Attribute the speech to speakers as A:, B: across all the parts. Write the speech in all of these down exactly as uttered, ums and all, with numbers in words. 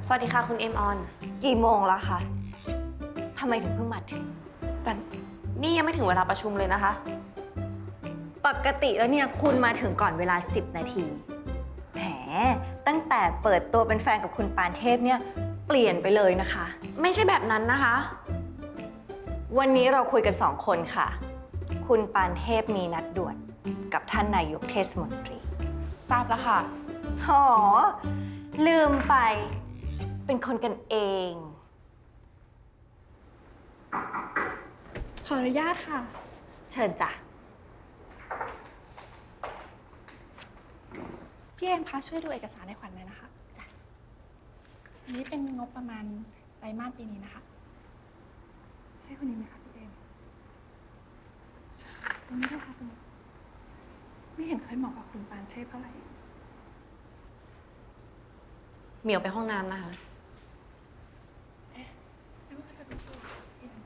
A: สวัสดีค่ะคุณเอ็มออน
B: กี่โมงแล้วคะทำไมถึงเพิ่งมาถึง
A: แต่นี่ยังไม่ถึงเวลาประชุมเลยนะคะ
B: ปกติแล้วเนี่ยคุณมาถึงก่อนเวลาสิบนาทีแหมตั้งแต่เปิดตัวเป็นแฟนกับคุณปานเทพเนี่ยเปลี่ยนไปเลยนะคะ
A: ไม่ใช่แบบนั้นนะคะ
B: วันนี้เราคุยกันสองคนค่ะ คุณปานเทพมีนัดด่วนกับท่านนายกเทศมนตรี
A: ทราบแล้วค่ะ
B: อ๋อลืมไปเป็นคนกันเอง
C: ขออนุญาตค่ะ
B: เชิญจ้ะ
C: พี่เอ็มคะช่วยดูเอกสารให้ขวัญหน่อยนะคะจ้ะอันนี้เป็นงบประมาณไตรมาสปีนี้นะคะใช่คนนี้ไหมคะพี่เอ็มตรงนี้ด้วยค่ะตรงนี้ไม่เห็นเคยเหมาะกับคุณปานเช่เท่าไหร่
A: เหมียวไปห้องน้ำนะคะ
C: เอ๊ะไม่ว่าจะเป็นตัวพี่เอ็ม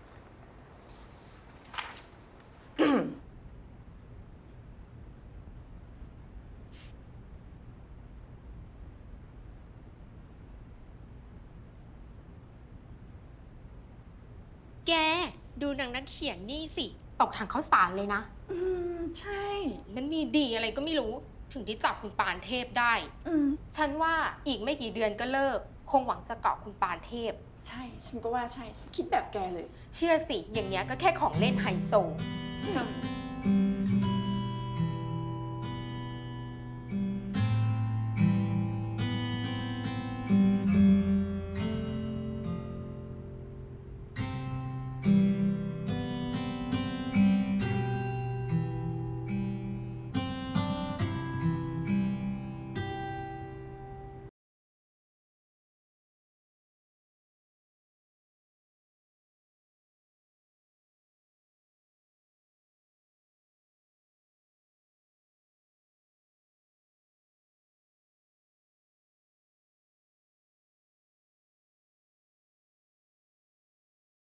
D: แกดูนางนักเขียนนี่สิตกถังข้าวสารเลยนะ
C: อืมใช่
D: มันมีดีอะไรก็ไม่รู้ถึงที่จับคุณปานเทพได้
C: อืม
D: ฉันว่าอีกไม่กี่เดือนก็เลิก คงหวังจะเกาะคุณปานเทพ
C: ใช่ฉันก็ว่าใช่ฉันคิดแบบแกเลย
D: เชื่อสิอย่างเงี้ยก็แค่ของเล่นไฮโซเชิญ